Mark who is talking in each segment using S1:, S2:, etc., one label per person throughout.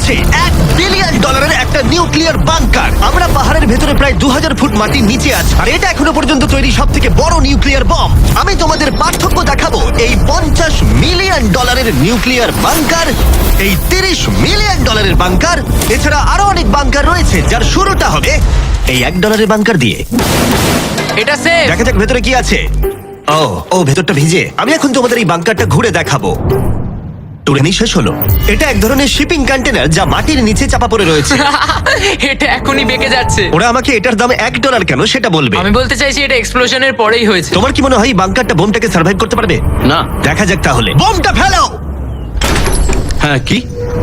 S1: হচ্ছে $1 বিলিয়ন একটা nuclear bunker. আমরা পাহাড়ের ভেতরে প্রায় 2000 ফুট মাটির নিচে আছি, আর এটা এখনো পর্যন্ত তৈরি সব থেকে বড় নিউক্লিয়ার বম। আমি তোমাদের পার্থক্য দেখাবো এই $50 মিলিয়ন নিউক্লিয়ার বাংকার, এই $30 মিলিয়ন বাংকার, এছাড়া আরো অনেক বাংকার রয়েছে যার শুরুটা হবে এই $1 বাংকার দিয়ে।
S2: এটা সেফ।
S1: দেখা যাক ভেতরে কি আছে। ও ভেতরটা ভিজে। আমি এখন তোমাদের এই বাংকারটা ঘুরে দেখাবো। টুরেনি শেষ হলো। এটা এক ধরনের শিপিং কন্টেনার যা মাটির নিচে চাপা পড়ে রয়েছে।
S2: এটা এখনই বেঁকে যাচ্ছে।
S1: ওরা আমাকে এটার দাম $1 কেন সেটা বলবে।
S2: আমি বলতে চাইছি এটা এক্সপ্লোশনের পরেই হয়েছে।
S1: তোমার কি মনে হয় এই বাংকারটা বোমটাকে সার্ভাইভ করতে পারবে?
S3: না।
S1: দেখা যাক তাহলে। বোমটা ফেলো।
S3: হ্যাঁ, কি?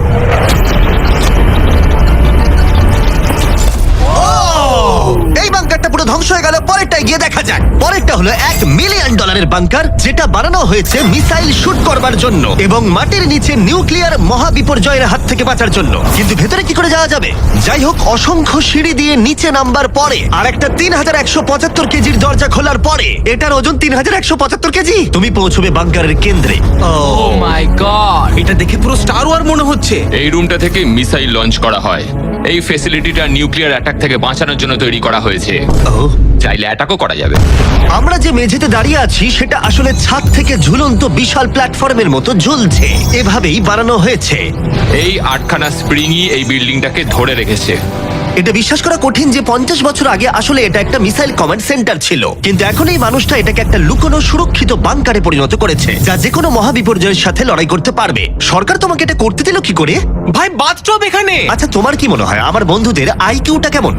S1: এই বাংকারটা পুরো ধ্বংস হয়ে গেল। পরেরটা গিয়ে দেখা যাক। পরেরটা হলো $1 মিলিয়ন বাংকার, যেটা বানানো হয়েছে মিসাইল শুট করবার জন্য এবং মাটির নিচে নিউক্লিয়ার মহাবিপর্যয়ের হাত থেকে বাঁচার জন্য। কিন্তু ভেতরে কি করে যাওয়া যাবে? যাই হোক, অসংখ্য সিঁড়ি দিয়ে নিচে নামবার পরে আর একটা 3175 কেজির দরজা খোলার পরে, এটার ওজন 3175 কেজি, তুমি পৌঁছবে বাংকারের কেন্দ্রে।
S2: ও মাই গড,
S4: এটা দেখে পুরো স্টার ওয়ার মনে হচ্ছে।
S5: এই রুমটা থেকে মিসাইল লঞ্চ করা হয়। এই ফ্যাসিলিটিটা নিউক্লিয়ার অ্যাটাক থেকে বাঁচানোর জন্য তৈরি করা হয়েছে। চাইলে অ্যাটাকও করা যাবে।
S1: আমরা যে মেঝেতে দাঁড়িয়ে আছি সেটা আসলে ছাদ থেকে ঝুলন্ত বিশাল প্ল্যাটফর্মের মতো ঝুলছে। এভাবেই বানানো হয়েছে।
S5: এই 8খানা স্প্রিংই এই বিল্ডিংটাকে ধরে রেখেছে।
S1: এটা বিশ্বাস করা কঠিন যে 50 বছর আগে আসলে এটা একটা মিসাইল কমান্ড সেন্টার ছিল, কিন্তু এখন এই মানুষটা এটাকে একটা লুকোনো সুরক্ষিত বাংকারে পরিণত করেছে, যা যে কোনো মহাবিপর্যয়ের সাথে লড়াই করতে পারবে। সরকার তোমাকে এটা করতে দিল কি করে?
S4: ভাই, বাথটব এখানে।
S1: আচ্ছা, তোমার কি মনে হয় আমার বন্ধুদের আইকিউটা কেমন?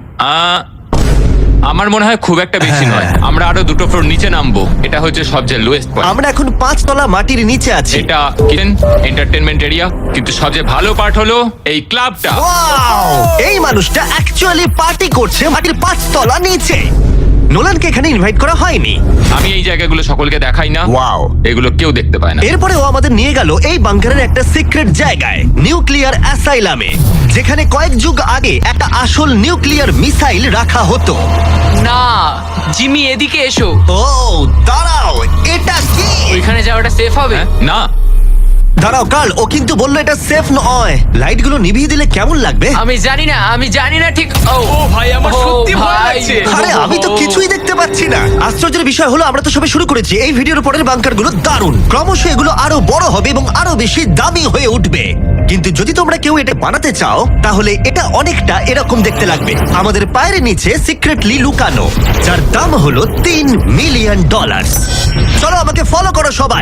S5: আমার মনে হয় খুব একটা বেশি নয়। আমরা আরো 2টো ফ্লোর নিচে নামবো। এটা হচ্ছে সবচেয়ে লোয়েস্ট পয়েন্ট।
S1: আমরা এখন 5 তলা মাটির নিচে আছি।
S5: এটা কিচেন, এন্টারটেইনমেন্ট এরিয়া, কিন্তু সবচেয়ে ভালো পার্ট হলো এই ক্লাবটা।
S1: ওয়াও! এই মানুষটা অ্যাকচুয়ালি পার্টি করছে মাটির 5 তলা নিচে। নোলানকে এখানে ইনভাইট করা হয়নি।
S5: আমি এই জায়গাগুলো সকলকে দেখাই না।
S1: ওয়াও!
S5: এগুলো কেউ দেখতে পায় না।
S1: এরপরে ও আমাদের নিয়ে গেল এই বাংকারের একটা সিক্রেট জায়গায়, নিউক্লিয়ার অ্যাসাইলামে, যেখানে কয়েক যুগ আগে একটা আসল নিউক্লিয়ার মিসাইল রাখা হতো।
S2: না জিমি, এদিকে এসো।
S1: ও দাঁড়াও, এটা কি?
S2: ওইখানে যাওয়াটা সেফ হবে?
S5: হ্যাঁ? না,
S1: দাঁড়াও কাল, ও কিন্তু বললো এটা সেফ নয়। লাইটগুলো নিভিয়ে দিলে কেমন লাগবে?
S2: আমি জানি না ঠিক। ও
S4: ভাই, আমার
S2: ও
S4: সত্যি ভয়
S2: ভাই।
S4: লাগছে।
S1: আরে আমি তো কিছুই দেখতে পাচ্ছি না। আশ্চর্যের বিষয় হলো আমরা তো সবে শুরু করেছি। এই ভিডিওর পরের বাংকারগুলো দারুণ। ক্রমশ এগুলো আরো বড় হবে এবং আরো বেশি দামি হয়ে উঠবে। কিন্তু যদি তোমরা কেউ এটা বানাতে চাও, তাহলে এটা অনেকটা এরকম দেখতে লাগবে। আমাদের পায়ের নিচে সিক্রেটলি লুকানো, যার দাম হলো $3 মিলিয়ন। চলো আমাকে ফলো করো সবাই।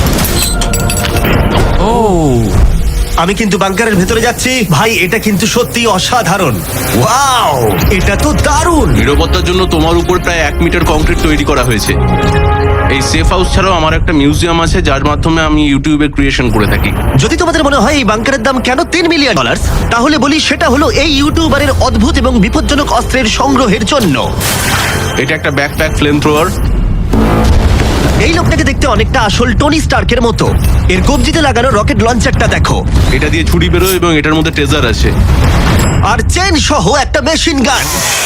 S2: ও
S1: আমি কিন্তু বাংকারের ভেতরে যাচ্ছি। ভাই, এটা কিন্তু সত্যি অসাধারণ। ওয়াও, এটা তো দারুণ।
S3: নিরাপত্তার জন্য তোমার উপর প্রায় 1 মিটার কংক্রিট তৈরি করা হয়েছে। এই সেফ হাউস ছাড়াও আমার একটা মিউজিয়াম আছে, যার মাধ্যমে আমি ইউটিউবে ক্রিয়েশন করে থাকি।
S1: যদি তোমাদের মনে হয় এই বাংকারের দাম কেন $3 মিলিয়ন, তাহলে বলি সেটা হলো এই ইউটিউবারের অদ্ভুত এবং বিপজ্জনক অস্ত্রের সংগ্রহের জন্য।
S3: এটা একটা ব্যাকপ্যাক ফ্লেম থ্রোয়ার।
S1: এই লোকটাকে দেখতে অনেকটা আসল টনি স্টার্কের মতো। এর কবজিতে লাগানো রকেট লঞ্চারটা দেখো।
S3: এটা দিয়ে ছুরি বেরোয় এবং এটার মধ্যে ট্রেজার আছে।
S1: আর চেন সহ একটা machine gun.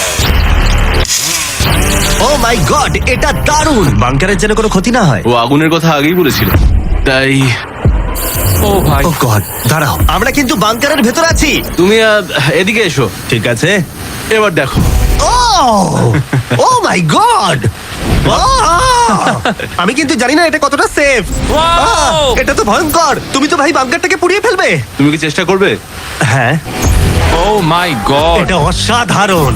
S1: O my god, এটা দারুণ। বাংকারের যেন কোনো ক্ষতি না হয়।
S3: ও আগুনের কথা আগেই বলেছিল, তাই
S2: ও ভাই,
S1: ও গড, দাঁড়াও, আমরা কিন্তু বাংকারের ভেতর আছি।
S3: তুমি এদিকে এসো।
S1: ঠিক আছে।
S3: এবার দেখো।
S1: ও মাই গড, আমি কিন্তু জানি না এটা কতটা সেফ। এটা তো ভয়ঙ্কর। তুমি তো ভাই বাংকারটাকে পুড়িয়ে ফেলবে।
S3: তুমি কি চেষ্টা করবে?
S1: হ্যাঁ,
S5: ও মাই গড,
S1: এটা অসাধারণ।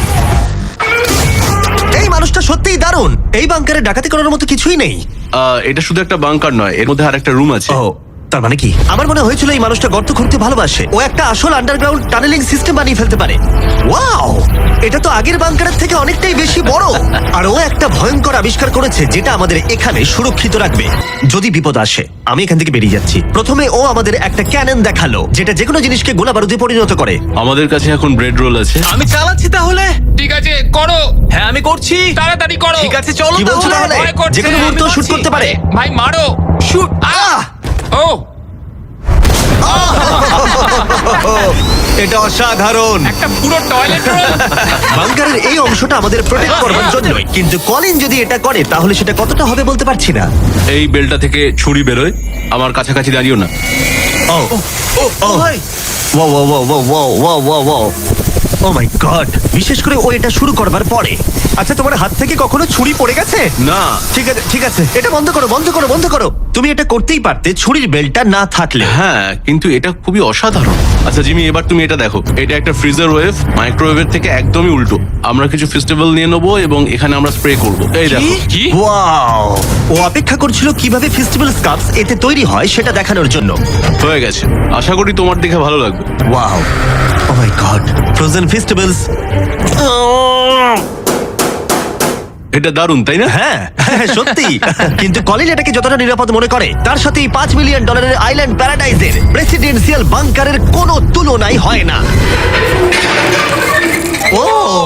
S1: এই মানুষটা সত্যিই দারুণ। এই বাংকারে ডাকাতি করার মতো কিছুই নেই।
S3: এটা শুধু একটা বাংকার নয়, এর মধ্যে আরেকটা রুম আছে।
S1: ও, তার মানে কি? আমার মনে হয়েছিল এই মানুষটা গর্ত খুঁড়তে ভালোবাসে। ও একটা আসল আন্ডারগ্রাউন্ড টানেলিং সিস্টেম বানিয়ে ফেলতে পারে। ওয়াও, এটা তো আগের বাংকারের থেকে অনেকটাই বেশি বড়। আর ও একটা ভয়ঙ্কর আবিষ্কার করেছে যেটা আমাদের এখানে সুরক্ষিত রাখবে যদি বিপদ আসে। আমি এখান থেকে বেরিয়ে যাচ্ছি। প্রথমে ও আমাদের একটা ক্যানন দেখালো, যেটা যেকোনো জিনিসকে গোলা বারুদে পরিণত করে।
S3: আমাদের কাছে এখন ব্রেড রোল আছে।
S4: আমি চালাচ্ছি তাহলে।
S5: ঠিক আছে করো।
S4: হ্যাঁ, আমি করছি।
S5: তাড়াতাড়ি করো।
S4: ঠিক আছে, চলো
S1: কি বলছো তাহলে?
S5: ভয় করছে,
S1: যেকোনো
S5: আমি
S1: মুহূর্তে শুট
S4: বলছি।
S1: করতে পারে।
S5: ভাই মারো।
S4: শুট।
S5: ও
S1: এটা অসাধারণ।
S5: একটা পুরো টয়লেট রোল।
S1: বাংকারের এই অংশটা আমাদের প্রোটেক্ট করবার জন্যই, কিন্তু কলিন যদি এটা করে তাহলে সেটা কতটা হবে বলতে পারছি না।
S3: এই বেলটা থেকে ছুরি বেরোয়। আমার কাছাকাছি দাঁড়িও না।
S1: ও
S4: ও ভাই,
S1: ও মাই গড, বিশেষ করে ও এটা শুরু করবার পরে। আচ্ছা, তোমার হাত থেকে কখনো ছুরি পড়ে গেছে?
S3: না।
S1: ঠিক আছে ঠিক আছে, এটা বন্ধ করো বন্ধ করো বন্ধ করো। তুমি এটা করতেই পারতে ছুরির বেল্টটা না থাকলে।
S3: হ্যাঁ, কিন্তু এটা খুবই অসাধারণ। আচ্ছা জিমি, এবার তুমি এটা দেখো। এটা একটা ফ্রিজার ওয়েভ, মাইক্রোওয়েভের থেকে একদমই উল্টো। আমরা কিছু ফেস্টিভ্যাল নিয়ে নেবো এবং এখানে আমরা স্প্রে করব। এই দেখো।
S5: কি?
S1: ওয়াও, ও অপেক্ষা করছিল কিভাবে ফেস্টিভ্যাল স্কাপস এতে তৈরি হয় সেটা দেখানোর জন্য।
S3: হয়ে গেছে, আশা করি তোমার দেখে ভালো লাগবে।
S1: Wow, oh my god, frozen festivals.
S3: এটা দারুণ, তাই না?
S1: হ্যাঁ হ্যাঁ, সত্যি। কিন্তু কলিন এটাকে যতটা নিরাপদ মনে করে, তার সাথে এই $5 মিলিয়ন আইল্যান্ড প্যারাডাইজের প্রেসিডেন্সিয়াল বাংকারের কোনো তুলনাই হয় না। ও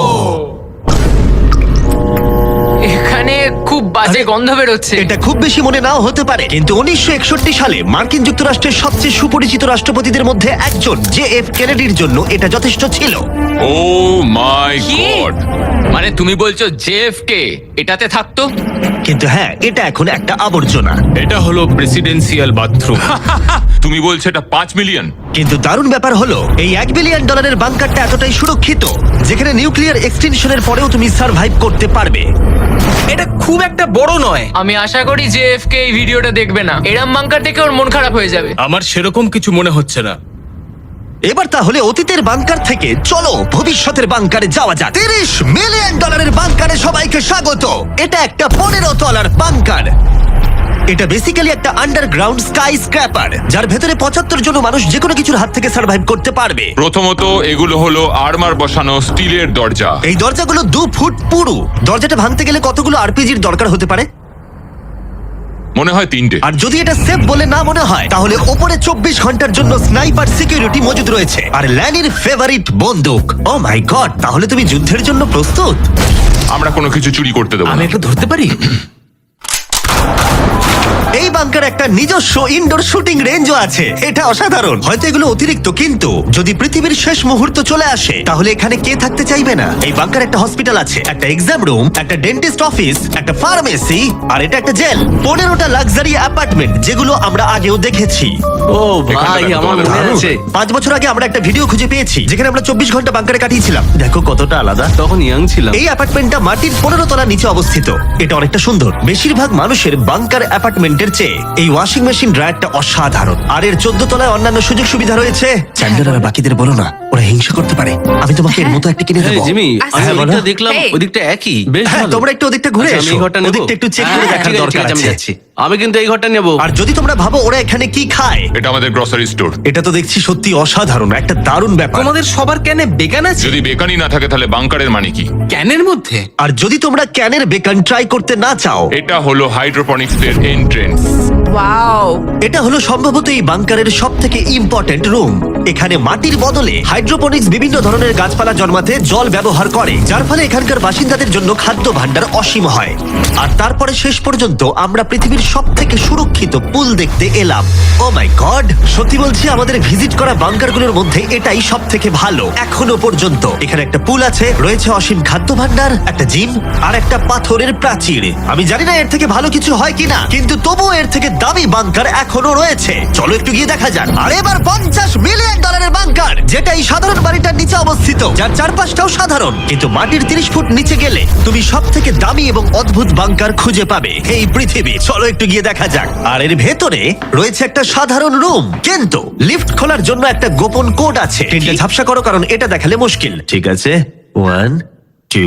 S2: এখানে খুব বাজে
S1: আরে,
S2: গন্ধ বেরোচ্ছে।
S1: এটা খুব বেশি মনে নাও হতে পারে, কিন্তু 1961 সালে মার্কিন যুক্তরাষ্ট্রের সবচেয়ে সুপরিচিত রাষ্ট্রপতিদের মধ্যে একজন JF কেনেডির জন্য এটা যথেষ্ট ছিল।
S5: ও মাই
S2: কি?
S5: গড, মানে তুমি বলছো জেএফকে এটাতে থাকতো?
S1: কিন্তু হ্যাঁ, এটা এখন একটা আবর্জনা।
S6: এটা হলো প্রেসিডেন্সিয়াল বাথরুম।
S5: তুমি বলছো এটা 5 মিলিয়ন?
S1: কিন্তু দারুণ ব্যাপার হলো, এই $1 বিলিয়ন বাংকারটা এতটাই সুরক্ষিত যেখানে নিউক্লিয়ার এক্সটেনশনের পরেও তুমি সার্ভাইভ করতে পারবে।
S4: এটা খুব একটা বড় নয়।
S2: আমি আশা করি যে এফকে এই ভিডিওটা দেখবে না। এরম বাঙ্কার দেখে ওর মন খারাপ হয়ে যাবে।
S6: আমার সেরকম কিছু মনে হচ্ছে না।
S1: এবার তাহলে অতীতের বাংকার থেকে চলো ভবিষ্যতের বাংকারে যাওয়া যাক। $30 মিলিয়ন বাংকারে সবাইকে স্বাগত। এটা একটা 15 তলার বাংকার। এটা বেসিক্যালি একটা আন্ডারগ্রাউন্ড স্কাই স্ক্র্যাপার, যার ভেতরে 75 জন মানুষ যে কোনো কিছুর হাত থেকে সার্ভাইভ করতে পারবে।
S5: প্রথমত এগুলো হলো আর্মার বসানো স্টিলের দরজা।
S1: এই দরজাগুলো 2 ফুট পুরু। দরজাটা ভাঙতে গেলে কতগুলো আরপিজির দরকার হতে পারে?
S5: মনে হয় 3টে।
S1: আর যদি এটা সেফ বলে না মনে হয়, তাহলে ওপরে 24 ঘন্টার জন্য স্নাইপার সিকিউরিটি মজুদ রয়েছে, আর ল্যানির ফেভারিট বন্দুক। ও মাই গড, তাহলে তুমি যুদ্ধের জন্য প্রস্তুত?
S5: আমরা কোনো কিছু চুরি করতে দেবো
S4: আমি
S5: না।
S4: একটু ধরতে পারি?
S1: এই বাংকার একটা নিজস্ব ইনডোর শুটিং রেঞ্জও আছে। এটা অসাধারণ। হয়তো এগুলো অতিরিক্ত, কিন্তু যদি পৃথিবীর শেষ মুহূর্ত চলে আসে, তাহলে এখানে কে থাকতে চাইবে না? এই বাংকার একটা হসপিটাল আছে, একটা এক্সাম রুম, একটা ডেন্টিস্ট অফিস, একটা ফার্মেসি, আর এটা একটা জেল। 15টা লাক্সারি অ্যাপার্টমেন্ট, যেগুলো আমরা আগেও দেখেছি।
S3: ও ভাই,
S5: দেখো,
S3: আমার মনে
S5: দারুণ।
S3: আছে।
S1: 5 বছর আগে আমরা একটা ভিডিও খুঁজে পেয়েছি যেখানে আমরা 24 ঘন্টা বাংকারে কাটিয়েছিলাম। দেখো কতটা আলাদা।
S3: তখন ইয়াং ছিলাম।
S1: এই অ্যাপার্টমেন্টটা মাটির 15 তলা নিচে অবস্থিত। এটা অনেকটা সুন্দর। বেশিরভাগ মানুষের বাংকার অ্যাপার্টমেন্টের চেয়ে এই ওয়াশিং মেশিন ড্রায়ারটা অসাধারণ। আর এর 14 তলায় অন্যান্য সুযোগ সুবিধা রয়েছে। চ্যান্ডেলার আর বাকিদের বলো না, ওরা হিংসা করতে পারে। আমি তোমাকে এর মতো একটা কিনে
S3: এই
S1: দেবো।
S3: জিমি, আমি
S1: হ্যাঁ, বলো।
S3: ওদিকটা দেখলাম,
S7: Hey.
S3: ওদিকটা একই। বেশ
S1: হ্যাঁ,
S3: ভালো।
S1: তোমরা একটু ওদিকটা ঘুরে
S3: আচ্ছা, আমি
S1: এসো।
S3: এই ঘরটা নেবো।
S1: ওদিকটা একটু চেক করে
S3: হ্যাঁ,
S1: দেখার
S3: ঠিক আছে,
S1: দরকার
S3: আমি
S1: আছে।
S3: যাচ্ছি। আমি কিন্তু এই ঘরটা নেবো।
S1: আর যদি তোমরা ভাবো ওরা এখানে কি খায়,
S5: এটা আমাদের গ্রসারি স্টোর।
S1: এটা তো দেখছি সত্যি অসাধারণ, একটা দারুণ ব্যাপার।
S4: তোমাদের সবার ক্যানে বেগান আছে?
S5: যদি বেকানি না থাকে তাহলে বাংকারের মানে কি?
S4: ক্যানের মধ্যে?
S1: আর যদি তোমরা ক্যানের বেকন ট্রাই করতে না চাও,
S5: এটা হলো হাইড্রোপনিক্স এর এন্ট্রেন্স।
S7: ওয়াও,
S1: এটা হলো সম্ভবত এই বাংকারের সব থেকে ইম্পর্টেন্ট রুম। এখানে মাটির বদলে হাইড্রোপনিক্স বিভিন্ন ধরনের গাছপালা জন্মাতে জল ব্যবহার করে, যার ফলে এখানকার বাসিন্দাদের জন্য খাদ্য ভাণ্ডার অসীম হয়। আর তারপরে শেষ পর্যন্ত আমরা পৃথিবীর সব থেকে সুরক্ষিত পুল দেখতে এলাম। ও মাই গড, সত্যি বলছি, আমাদের ভিজিট করা বাংকারগুলোর মধ্যে এটাই সব থেকে ভালো এখনো পর্যন্ত। এখানে একটা পুল আছে, রয়েছে অসীম খাদ্য ভাণ্ডার, একটা জিম, আর একটা পাথরের প্রাচীর। আমি জানি না এর থেকে ভালো কিছু হয় কিনা, কিন্তু তবুও এর থেকে দামি বাংকার এখনো রয়েছে। চলো একটু গিয়ে দেখা যাক। আর এবার $50 মিলিয়ন বাংকার, যেটা এই সাধারণ বাড়িটার নিচে অবস্থিত, যার চারপাশটাও সাধারণ, কিন্তু মাটির 30 ফুট নিচে গেলে তুমি সব থেকে দামি এবং অদ্ভুত বাংকার খুঁজে পাবে এই পৃথিবী। চলো একটু গিয়ে দেখা যাক। আর এর ভেতরে রয়েছে একটা সাধারণ রুম, কিন্তু লিফট খোলার জন্য একটা গোপন কোড আছে। তিনটে ঝাপসা করো, কারণ এটা দেখালে মুশকিল। ঠিক আছে, 1 2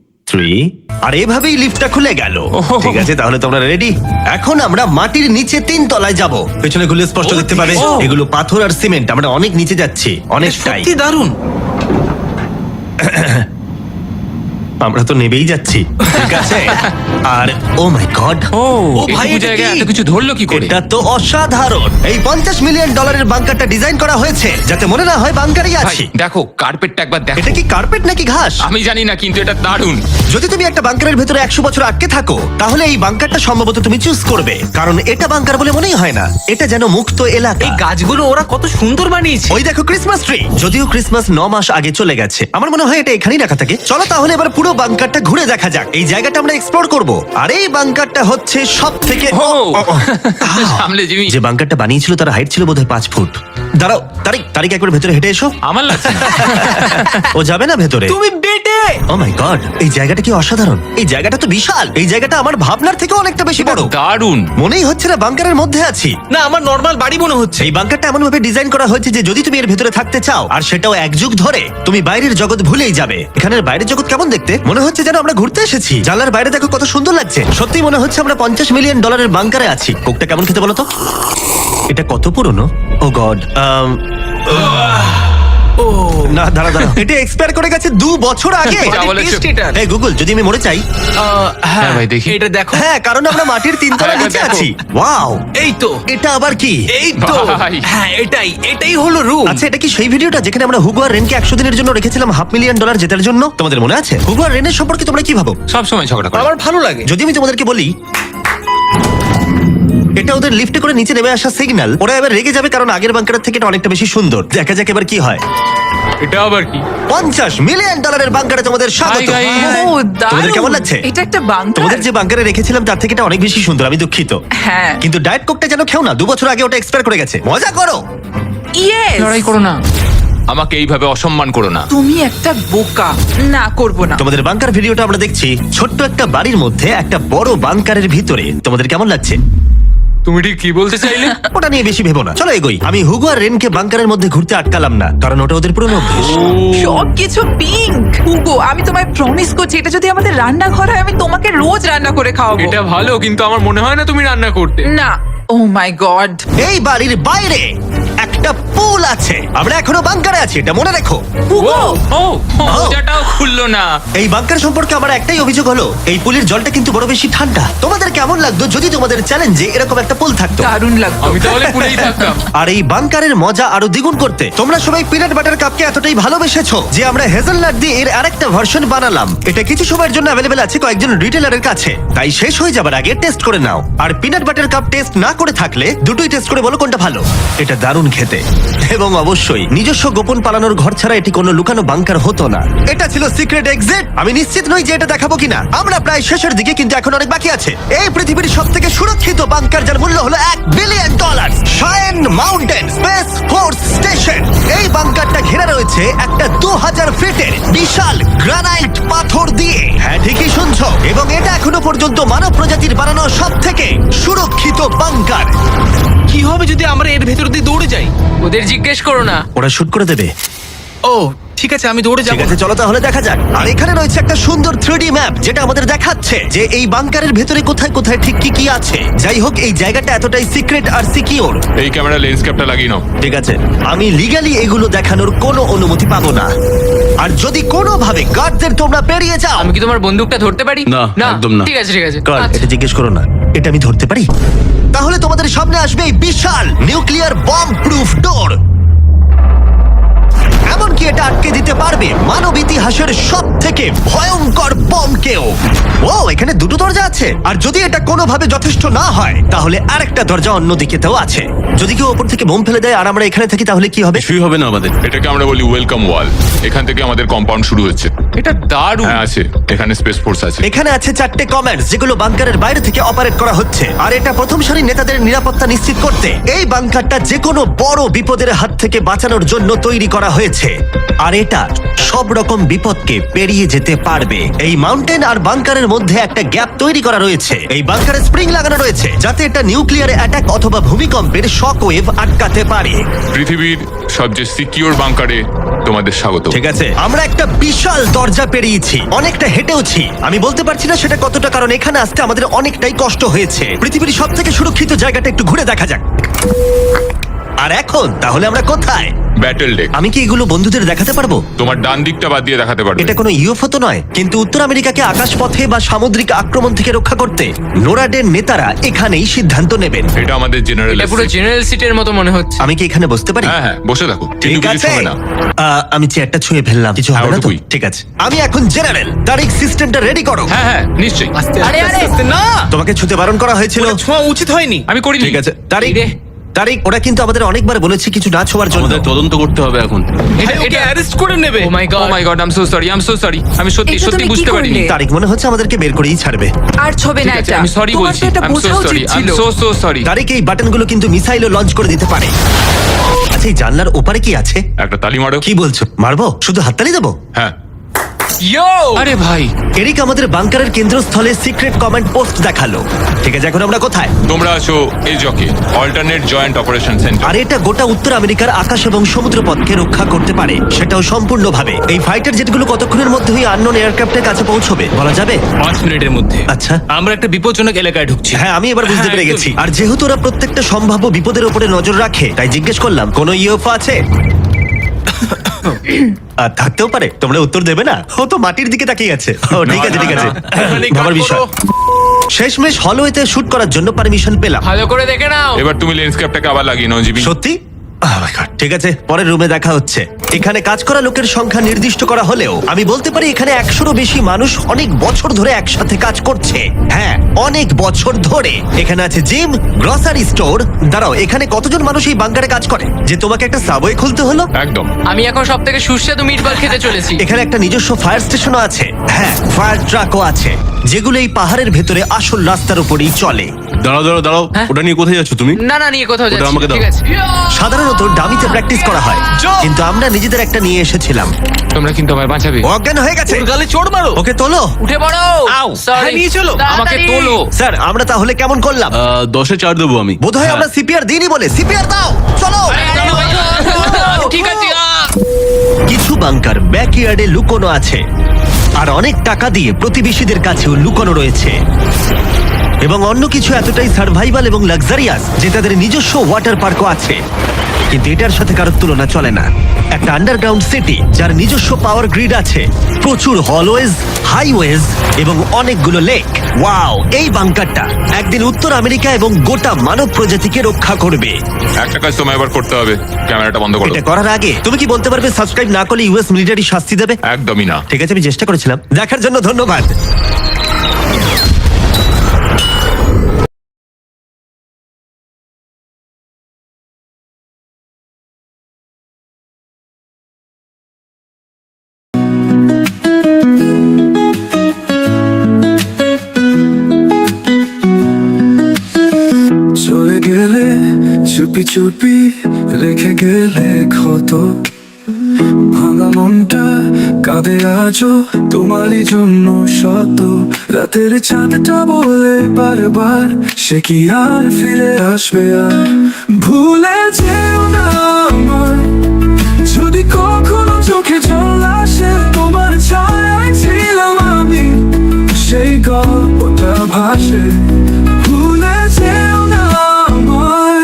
S1: 3, আর এভাবেই লিফটটা খুলে গেল। ঠিক আছে, তাহলে তোমরা রেডি? এখন আমরা মাটির নিচে 3 তলায় যাব। পেছনে খুলে স্পষ্ট দেখতে পাবে এগুলো পাথর আর সিমেন্ট। আমরা অনেক নিচে যাচ্ছি, অনেকটাই।
S4: সত্যি দারুণ।
S1: আমরা তো নেবেই যাচ্ছি। ঠিক আছে। আর ও মাই গড,
S4: ও
S2: ভাই,
S5: এইটুকু
S2: এটা
S5: জায়গায়
S2: কি?
S5: এত কিছু ধরলো কি করে?
S1: এটা তো অসাধারণ। এই $50 মিলিয়ন বাংকারটা ডিজাইন করা হয়েছে যাতে মনে না হয় বাংকারই
S5: ভাই
S1: আছি।
S5: দেখো, কার্পেটটা একবার দেখো।
S1: এটা কি কার্পেট নাকি ঘাস?
S5: আমি জানি না, কিন্তু এটা দারুণ।
S1: যদি তুমি একটা বাংকারের ভেতরে 100 বছর আটকে থাকো, তাহলে এই বাংকারটা সম্ভবত তুমি চুজ করবে, কারণ এটা বাংকার বলে মনেই হয় না। এটা যেন মুক্ত এলাকা।
S4: এই গাছগুলো ওরা কত সুন্দর বানিয়েছে।
S1: ওই দেখো ক্রিসমাস ট্রি। যদিও ক্রিসমাস 9 মাস আগে চলে গেছে, আমার মনে হয় এটা এখানেই রাখা থাকে। চলো তাহলে এবার পুরো পুরো বাংকারটা ঘুরে দেখা যাক। এই জায়গাটা আমরা এক্সপ্লোর করব। আর এই বাংকারটা হচ্ছে সব থেকে
S5: সামলে জিমি।
S1: যে বাংকারটা বানিয়েছিল তার হাইট ছিল বোধহয় 5 ফুট। দাঁড়াও, তারিক একবার ভেতরে হেঁটে এসো।
S5: আমার লাগছে না।
S1: ও যাবে না ভেতরে?
S4: তুমি বেটে।
S1: ও মাই গড, এই জায়গাটা কি অসাধারণ! এই জায়গাটা তো বিশাল। এই জায়গাটা আমার ভাবনার থেকে অনেকটা বেশি বড়।
S5: দারুণ।
S1: মনেই হচ্ছে না বাংকারের মধ্যে আছি।
S4: না, আমার নর্মাল বাড়ি মনে হচ্ছে।
S1: এই বাংকারটা এমন ভাবে ডিজাইন করা হয়েছে যে যদি তুমি এর ভেতরে থাকতে চাও, আর সেটাও 1 যুগ ধরে, তুমি বাইরের জগৎ ভুলেই যাবে। এখানের বাইরের জগৎ কেমন দেখতে? মনে হচ্ছে যেন আমরা ঘুরতে এসেছি। জানলার বাইরে দেখো কত সুন্দর লাগছে। সত্যি মনে হচ্ছে আমরা $50 মিলিয়ন বাংকারে আছি। কোকটা কেমন খেতে বলো তো? এটা কত পুরনো? ও গড, না দাঁড়া, এটা এক্সপায়ার করে গেছে 2 বছর আগে।
S5: যা বলেছো।
S4: Taste এটার।
S1: এই গুগল, যদি আমি মরে চাই?
S5: হ্যাঁ ভাই, দেখি।
S4: এটা দেখো।
S1: হ্যাঁ, কারণ আমরা মাটির 3 তলা
S5: হ্যাঁ,
S1: নিচে
S5: দেখো।
S1: আছি। ওয়াও,
S4: এই তো,
S1: এটা আবার কি?
S4: এই তো।
S5: ভাই।
S4: হ্যাঁ, এটাই হলো রুম।
S1: আচ্ছা, এটা কি সেই ভিডিওটা যেখানে আমরা হুগো আর রেনকে 100 দিনের জন্য রেখেছিলাম $500 মিলিয়ন জেতার জন্য? তোমাদের মনে আছে? হুগো আর রেনের সম্পর্কে তোমরা কি ভাবো?
S5: সব সময় ঝগড়া করে।
S4: আমার ভালো লাগে।
S1: যদি আমি তোমাদেরকে বলি এটা ওদের লিফটে করে নিচে নেমে আসা সিগন্যাল, ওরা এবার রেগে যাবে কারণ আগের বাংকারের থেকে এটা অনেকটা বেশি সুন্দর। দেখা যাক এবার কি হয়।
S6: এটা আবার কি?
S1: $50 মিলিয়ন বাংকারে তোমাদের স্বাগত।
S5: Hi, guys.
S7: ও, দারুণ।
S1: তোমাদের কেমন লাগছে?
S7: এটা একটা বাংকার।
S1: তোমাদের যে বাংকারে রেখেছিলাম তার থেকে এটা অনেক বেশি সুন্দর। আমি দুঃখিত,
S7: হ্যাঁ।
S1: কিন্তু ডায়েট কোকটা যেন খেও না। 2 বছর আগে ওটা এক্সপায়ার করে গেছে। মজা করো।
S7: ইয়েস।
S2: লড়াই করো না।
S5: আমাকে এইভাবে অসম্মান করো না।
S7: তুমি একটা বোকা। না, করব না।
S1: তোমাদের বাংকার ভিডিওটা আমরা দেখছি। ছোট্ট একটা বাড়ির মধ্যে একটা বড় বাংকারের ভিতরে। তোমাদের কেমন লাগছে?
S2: তুমি ঠিক কি বলতে চাইলে?
S1: ওটা নিয়ে বেশি ভেবো না, চলো এগোই। আমি হুগো আর রেনকে বাংকারের মধ্যে ঘুরতে আটকালাম না, কারণ ওটা ওদের পুরনো অভ্যেস।
S7: সবকিছু পিঙ্ক। হুগো, আমি তোমায় প্রমিস করছি, এটা যদি আমাদের রান্নাঘর হয়, আমি তোমাকে রোজ রান্না করে খাওয়াবো।
S2: এটা ভালো, কিন্তু আমার মনে হয় না তুমি রান্না করতে।
S7: না। Oh my god.
S1: এই বাড়ির বাইরে একটা পুল আছে। আমরা এখনো বাংকারে আছি, এটা মনে রেখো।
S7: হুগো।
S2: ও, ওটাও খুললো না।
S1: এই বাংকার সম্পর্কে আমার একটাই অভিযোগ হলো, এই পুলের জলটা কিন্তু বড় বেশি ঠান্ডা। তোমাদের কেমন লাগতো যদি তোমাদের চ্যালেঞ্জে এরকম একটা পুল থাকতো?
S7: দারুণ লাগতো।
S2: আমি তাহলে পুরেই থাকতাম।
S1: আর এই বাংকারের মজা আরো দ্বিগুণ করতে তোমরা সবাই পিনাট বাটার কাপকে এতটাই ভালোবেসেছো যে আমরা হেজেলনাট দিয়ে এর আরেকটা ভার্সন বানালাম। এটা কিছু সময়ের জন্য অ্যাভেলেবেল আছে কয়েকজন রিটেলারের কাছে, তাই শেষ হয়ে যাবার আগে টেস্ট করে নাও। আর পিনাট বাটার কাপ টেস্ট না করে থাকলে দুটোই টেস্ট করে বলো কোনটা ভালো। এটা দারুণ খেতে, এবং অবশ্যই নিজস্ব গোপন পালানোর ঘর ছাড়া এটি কোনো লুকানো বাংকার হতো না। এটা ছিল সিক্রেট এক্সিট। আমি নিশ্চিত নই যে এটা দেখাবো কিনা। আমরা প্রায় শেষের দিকে, কিন্তু এখন অনেক বাকি আছে। এই পৃথিবীর সবথেকে সুরক্ষিত বাংকার, যার মূল্য হলো $1 billion. Cheyenne mountain space force station. এই বাংকারটা ঘেরা রয়েছে একটা 2000 ফিটের বিশাল গ্রানাইট পাথর দিয়ে। হ্যাঁ, ঠিকই শুনছো। এবং এটা এখনো পর্যন্ত মানব প্রজাতির বানানো সবথেকে সুরক্ষিত বাংকার।
S4: কি হবে যদি আমরা এর ভেতর দিয়ে দৌড়ে যাই?
S2: ওদের জিজ্ঞেস করো না।
S1: ওরা শুট করে দেবে।
S4: ও, ঠিক আছে, আমি দৌড়ে
S1: ঠিক
S4: যাবো।
S1: আছে, চলো তাহলে দেখা যাক। আর এখানে রয়েছে একটা সুন্দর 3D ম্যাপ, যেটা আমাদের দেখাচ্ছে যে এই বাংকারের ভেতরে কোথায় কোথায় ঠিক কি কি আছে। যাই হোক, এই জায়গাটা এতটাই সিক্রেট আর সিকিউর।
S5: এই ক্যামেরা লেন্স ক্যাপটা লাগিয়ে নাও।
S1: ঠিক আছে, আমি লিগ্যালি এগুলো দেখানোর কোনো অনুমতি পাবো না। আর যদি কোনোভাবে গার্ডদের তোমরা পেরিয়ে যাও,
S2: আমি কি তোমার বন্দুকটা ধরতে পারি?
S3: না, একদম না।
S2: ঠিক আছে, ঠিক আছে।
S1: গার্ড,
S2: আচ্ছা।
S1: এটা জিজ্ঞেস করো না। এটা আমি ধরতে পারি? তাহলে তোমাদের সামনে আসবে এই বিশাল নিউক্লিয়ার বম্ব প্রুফ ডোর। এমনকি এটা আটকে দিতে পারবে মানব ইতিহাসের সব থেকে ভয়ঙ্কর বমকেও। ও, এখানে 2টো দরজা আছে। আর যদি এটা কোনোভাবে যথেষ্ট না হয়, তাহলে আরেকটা দরজা অন্যদিকেতেও আছে। যদি কেউ ওপর থেকে বোম ফেলে দেয় আর আমরা এখানে থাকি, তাহলে কি হবে?
S3: কিছুই হবে না আমাদের।
S5: এটাকে আমরা বলি ওয়েলকাম ওয়াল। এখান থেকে আমাদের কম্পাউন্ড শুরু হচ্ছে।
S2: এটা দারুণ।
S5: হ্যাঁ, আছে। এখানে স্পেস ফোর্স আছে।
S1: এখানে আছে 4টে কমান্ডস, যেগুলো বাংকারের বাইরে থেকে অপারেট করা হচ্ছে। আর এটা প্রথম সারির নেতাদের নিরাপত্তা নিশ্চিত করতে এই বাংকারটা যে কোনো বড় বিপদের হাত থেকে বাঁচানোর জন্য তৈরি করা হয়েছে। আর এটা সব রকম বিপদকে পেরিয়ে যেতে পারবে। এই মাউন্টেন আর বাংকারের মধ্যে একটা গ্যাপ তৈরি করা রয়েছে। এই বাংকারে স্প্রিং লাগানো রয়েছে, যাতে এটা নিউক্লিয়ার অ্যাটাক অথবা ভূমিকম্পের শক ওয়েভ আটকাতে পারে।
S5: পৃথিবীর সবচেয়ে সিকিউর বাংকারে তোমাদের স্বাগত।
S1: ঠিক আছে, আমরা একটা বিশাল দরজা পেরিয়েছি, অনেকটা হেঁটেওছি। আমি বলতে পারছি না সেটা কতটা, কারণ এখানে আসতে আমাদের অনেকটাই কষ্ট হয়েছে। পৃথিবীর সব থেকে সুরক্ষিত জায়গাটা একটু ঘুরে দেখা যাক। আর এখন তাহলে আমরা কোথায়?
S5: Battle deck.
S1: আমি কি এগুলো বন্ধুদের দেখাতে পারবো?
S5: তোমার ডান দিকটা বাদ দিয়ে দেখাতে পারবে।
S1: এটা কোনো ইউএফও তো নয়, কিন্তু উত্তর আমেরিকাকে আকাশপথে বা সামুদ্রিক আক্রমণ থেকে রক্ষা করতে নোরাডের নেতারা এখানেই সিদ্ধান্ত নেবেন।
S5: এটা আমাদের জেনারেল।
S2: এটা পুরো জেনারেল সিটের মতো মনে হচ্ছে।
S1: আমি কি এখানে বসতে পারি?
S5: হ্যাঁ, বসে থাকো।
S1: ঠিক
S5: কিন্তু কিছু
S1: আছে।
S5: হবে না।
S1: আমি চেয়ারটা ছুঁয়ে ফেললাম, কিছু
S5: হ্যাঁ,
S1: হবে না তো?
S5: ওটুকুই।
S1: ঠিক আছে, আমি এখন জেনারেল। তারিখ, সিস্টেমটা রেডি করো।
S5: হ্যাঁ, হ্যাঁ, নিশ্চয়ই।
S4: আস্তে
S7: আরে,
S4: আস্তে
S7: আরে।
S4: আস্তে, না,
S1: তোমাকে ছুতে বারণ করা হয়েছিল।
S4: ওটা ছোঁয়া উচিত হয়নি।
S5: আমি করিনি।
S1: ঠিক আছে, তারিখ,
S2: এই রে।
S1: তারিক, ওরা কিন্তু আমাদের অনেকবার বলেছে কিছু না ছোঁয়ার জন্য।
S3: আমাদের তদন্ত করতে হবে এখন।
S4: এটা অ্যারেস্ট করে নেবে।
S2: Oh my
S5: oh
S2: god
S5: my god, I am so sorry. আমি সত্যি
S7: এটা
S5: সত্যি
S7: তুমি কি
S5: বুঝতে পারিনি।
S7: করলে?
S1: তারিক, মনে হচ্ছে আমাদেরকে বের করেই ছাড়বে।
S7: আর ছবে না
S5: ঠিক আছে,
S7: এটা
S5: আমি সরি
S7: তোমার
S5: বলছি।
S7: তো এটা
S5: আই এম
S7: বোঝা
S5: সো
S7: উচিত
S5: সরি, আই এম
S7: ছিল।
S5: So sorry.
S1: তারিক, এই বাটনগুলো কিন্তু মিসাইলও লঞ্চ করে দিতে পারে। আচ্ছা, এই জানলার ওপারে কি আছে?
S5: একটা তালি মারো।
S1: কি বলছো? মারবো? শুধু হাততালি দেবো?
S5: হ্যাঁ।
S2: ইয়ো
S5: আরে ভাই,
S1: এরিক আমাদের বাংকারের কেন্দ্রস্থলে সিক্রেট কমান্ড পোস্ট দেখালো। ঠিক আছে, এখন আমরা কোথায়?
S5: তোমরা আছো এই জকে অল্টারনেট জয়েন্ট অপারেশন সেন্টার।
S1: আর এটা গোটা উত্তর আমেরিকার আকাশ এবং সমুদ্রপথকে রক্ষা করতে পারে, সেটাও সম্পূর্ণভাবে। এই ফাইটার জেটগুলো কতক্ষণের মধ্যেই আননোন এয়ারক্রাফটের কাছে পৌঁছবে বলা যাবে?
S4: 5 মিনিটের মধ্যে।
S1: আচ্ছা।
S4: আমরা একটা বিপজ্জনক এলাকায় ঢুকছি।
S1: হ্যাঁ, আমি এবার বুঝতে
S4: হ্যাঁ,
S1: পেরে গেছি। আর যেহেতু ওরা প্রত্যেকটা সম্ভাব্য বিপদের উপরে নজর রাখে, তাই জিজ্ঞেস করলাম কোনো ইউএফও আছে? আর থাকতেও পারে, তোমরা উত্তর দেবে না? ও তো মাটির দিকে তাকিয়ে আছে। ও ঠিক আছে, ঠিক আছে,
S4: এখানে
S1: ভাবার
S4: কাট
S1: বিষয়।
S4: করো।
S1: শেষমেশ হলওয়েতে শুট করার জন্য পারমিশন পেলাম।
S2: ভালো করে দেখে নাও।
S5: এবার তুমি লেন্স ক্যাপটাকে আবার লাগিয়ে নাও জিবি।
S1: সত্যি? Oh my God, ঠিক আছে, পরের রুমে দেখা হচ্ছে। এখানে কাজ করা লোকের সংখ্যা নির্দিষ্ট করা হলেও আমি বলতে পারি এখানে 100-রও বেশি মানুষ অনেক বছর ধরে একসাথে কাজ করছে। হ্যাঁ, অনেক বছর ধরে। এখানে আছে জিম, গ্রসারি স্টোর। দাঁড়াও, এখানে কতজন মানুষ এই বাংকারে কাজ করে যে তোমাকে একটা সাবওয়ে খুলতে হলো?
S5: একদম।
S2: আমি এখন সব থেকে সুস্বাদু মিটবল খেতে চলেছি।
S1: এখানে একটা নিজস্ব ফায়ার স্টেশনও আছে। হ্যাঁ, ফায়ার ট্রাকও আছে, যেগুলো এই পাহাড়ের ভেতরে আসল রাস্তার উপরেই চলে।
S3: দাঁড়াও,
S2: হ্যাঁ?
S3: ওটা নিয়ে কোথায় যাচ্ছ তুমি?
S2: না নিয়ে কোথাও
S3: ওটা
S2: যাচ্ছি
S3: আমাকে
S2: না,
S3: দাও।
S2: ঠিক আছে।
S1: সাধারণত ডামিতে প্র্যাকটিস করা হয়, কিন্তু আমরা নিজেদের একটা নিয়ে এসেছিলাম।
S5: তোমরা কিন্তু আমায় বাঁচাবে।
S1: ও অজ্ঞান হয়ে গেছে।
S4: ওর গালে চড় মারো।
S1: ওকে তোলো।
S2: উঠে পড়ো।
S4: আউ,
S2: Sorry.
S4: হ্যাঁ, নিয়ে চলো।
S5: আমাকে
S2: তাড়াতাড়ি।
S5: তোলো।
S1: স্যার, আমরা তাহলে কেমন করলাম?
S3: 10-এ 4 দেবো আমি।
S1: বোধহয় আমরা সিপিআর দিইনি বলে। সিপিআর দাও, চলো।
S2: ঠিক আছে।
S1: কিছু বাংকার ব্যাকইয়ার্ডে লুকোনো আছে, আর অনেক টাকা দিয়ে প্রতিবেশীদের কাছেও লুকোনো রয়েছে। এবং অন্য কিছু এতটাই সার্ভাইভাল এবং লাক্সারিয়াস যে তাদের নিজস্ব ওয়াটার পার্কও আছে। কিন্তু এটার সাথে কারোর তুলনা চলে না। একটা আন্ডারগ্রাউন্ড সিটি যার নিজস্ব পাওয়ার গ্রিড আছে, প্রচুর হলওয়েজ, হাইওয়েজ এবং অনেকগুলো লেক। ওয়াও, এই বাংকারটা একদিন উত্তর আমেরিকা এবং গোটা মানব প্রজাতিকে রক্ষা করবে।
S5: একটা কাজ তোমায় এবার করতে হবে, ক্যামেরাটা বন্ধ করো।
S1: এটা করার আগে তুমি কি বলতে পারবে সাবস্ক্রাইব না করলে ইউএস মিলিটারি শাস্তি দেবে?
S5: একদমই না।
S1: ঠিক আছে, আমি চেষ্টা করেছিলাম। দেখার জন্য ধন্যবাদ।
S8: চলে গেলে চুপি চুপি রেখে গেলে ক্ষত, ভাঙা মনটা কাঁদে আজও তোমারই জন্য শত। রাতের চাঁদটা বলে বারবার সে কি আর ফিরে আসবে? আর ভুলে যেও না আমায়, যদি কখনো চোখে জল আসে, তোমার ছায়ায় ছিলাম আমি, সেই গল্পটা ভাসে। ভুলে যেও না আমায়।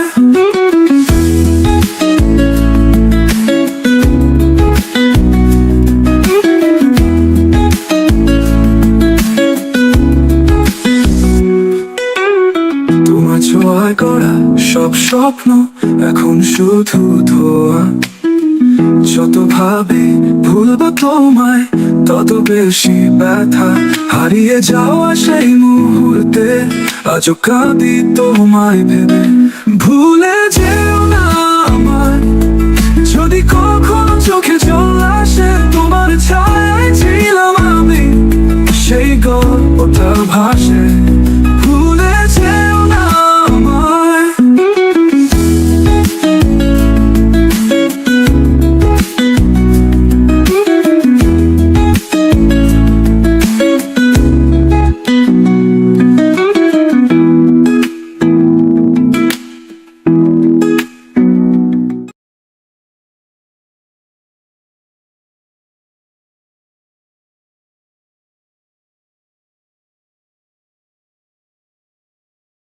S8: তোমার ছোঁয়ায় করা সব স্বপ্ন এখন শুধু ধোয়া। যত ভাবে ভুলবো তোমায়, তত বেশি ব্যথা। হারিয়ে যাওয়া সেই মুহূর্তে আজও কাঁদি তোমায় ভেবে। ভুলে যেও না আমায়, যদি কখনো চোখে